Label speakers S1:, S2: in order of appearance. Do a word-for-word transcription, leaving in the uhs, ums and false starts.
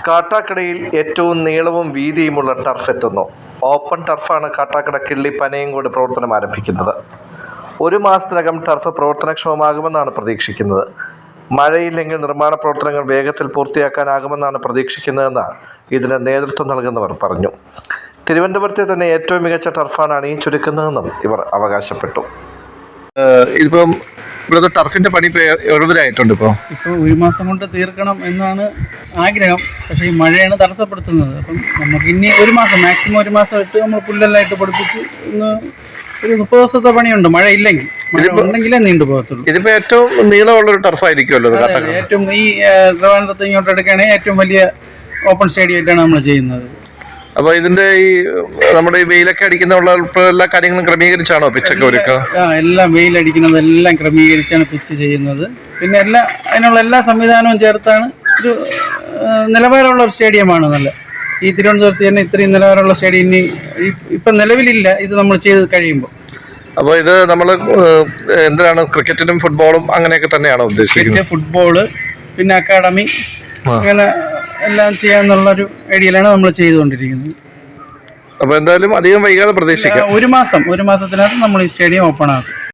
S1: കാട്ടാക്കടയിൽ ഏറ്റവും നീളവും വീതിയുമുള്ള ടർഫ് എത്തുന്നു. ഓപ്പൺ ടർഫാണ് കാട്ടാക്കട കിള്ളി പനയങ്കോട് പ്രവർത്തനം ആരംഭിക്കുന്നത്. ഒരു മാസത്തിനകം ടർഫ് പ്രവർത്തനക്ഷമമാകുമെന്നാണ് പ്രതീക്ഷിക്കുന്നത്. മഴയില്ലെങ്കിൽ നിർമ്മാണ പ്രവർത്തനങ്ങൾ വേഗത്തിൽ പൂർത്തിയാക്കാനാകുമെന്നാണ് പ്രതീക്ഷിക്കുന്നതെന്ന് ഇതിന് നേതൃത്വം നൽകുന്നവർ പറഞ്ഞു. തിരുവനന്തപുരത്തെ തന്നെ ഏറ്റവും മികച്ച ടർഫാണ് അണിയിച്ചൊരുക്കുന്നതെന്നും ഇവർ അവകാശപ്പെട്ടു. ഇതിപ്പം ഇവിടുത്തെ ടർഫിന്റെ പണി എഴുപതിനായിട്ടുണ്ട്. ഇപ്പോൾ
S2: ഇപ്പോൾ ഒരു മാസം കൊണ്ട് തീർക്കണം എന്നാണ് ആഗ്രഹം. പക്ഷേ ഈ മഴയാണ് തടസ്സപ്പെടുത്തുന്നത്. അപ്പം നമുക്ക് ഇനി ഒരു മാസം മാക്സിമം ഒരു മാസം ഇട്ട് നമ്മൾ പുല്ലെല്ലാം ഇട്ട് പഠിപ്പിച്ച് ഇന്ന് ഒരു മുപ്പത് ദിവസത്തെ പണിയുണ്ട്. മഴ ഇല്ലെങ്കിൽ മഴ ഉണ്ടെങ്കിലേ നീണ്ടു പോകത്തുള്ളൂ.
S1: ഇതിപ്പോ ഏറ്റവും നീളമുള്ള ഒരു ടർഫ് ആയിരിക്കുമല്ലോ.
S2: ഏറ്റവും ഈ ട്രിവാൻഡ്രത്ത് ഇങ്ങോട്ട് എടുക്കുകയാണെങ്കിൽ ഏറ്റവും വലിയ ഓപ്പൺ സ്റ്റേഡിയം ആയിട്ടാണ് നമ്മൾ ചെയ്യുന്നത്.
S1: അപ്പൊ ഇതിന്റെ ഈ നമ്മുടെ ഈ വെയിലൊക്കെ അടിക്കുന്ന എല്ലാ കാര്യങ്ങളും ക്രമീകരിച്ചാണോ പിച്ചൊക്കെ ഒരുക്കുക?
S2: ആ എല്ലാം വെയിലടിക്കുന്നത് എല്ലാം ക്രമീകരിച്ചാണ് പിച്ച് ചെയ്യുന്നത്. പിന്നെ എല്ലാ അതിനുള്ള എല്ലാ സംവിധാനവും ചേർത്താണ് ഒരു നിലവാരമുള്ള ഒരു സ്റ്റേഡിയമാണ്. നല്ല ഈ തിരുവനന്തപുരത്ത് തന്നെ ഇത്രയും നിലവാരമുള്ള സ്റ്റേഡിയം ഇനി ഇപ്പം നിലവിലില്ല. ഇത് നമ്മൾ ചെയ്ത് കഴിയുമ്പോൾ.
S1: അപ്പോൾ ഇത് നമ്മൾ എന്തിനാണ് ക്രിക്കറ്റിനും ഫുട്ബോളും അങ്ങനെയൊക്കെ തന്നെയാണോ ഉദ്ദേശിക്കുന്നത്?
S2: ഫുട്ബോള് പിന്നെ അക്കാഡമി അങ്ങനെ എല്ലാം ചെയ്യാന്നുള്ളൊരു ഐഡിയയിലാണ് നമ്മൾ ചെയ്തുകൊണ്ടിരിക്കുന്നത്.
S1: അപ്പോൾ എന്തായാലും അധികം വൈകാതെ പ്രതീക്ഷിക്കാം.
S2: ഒരു മാസം ഒരു മാസത്തിനകത്ത് നമ്മൾ ഈ സ്റ്റേഡിയം ഓപ്പൺ ആക്കും.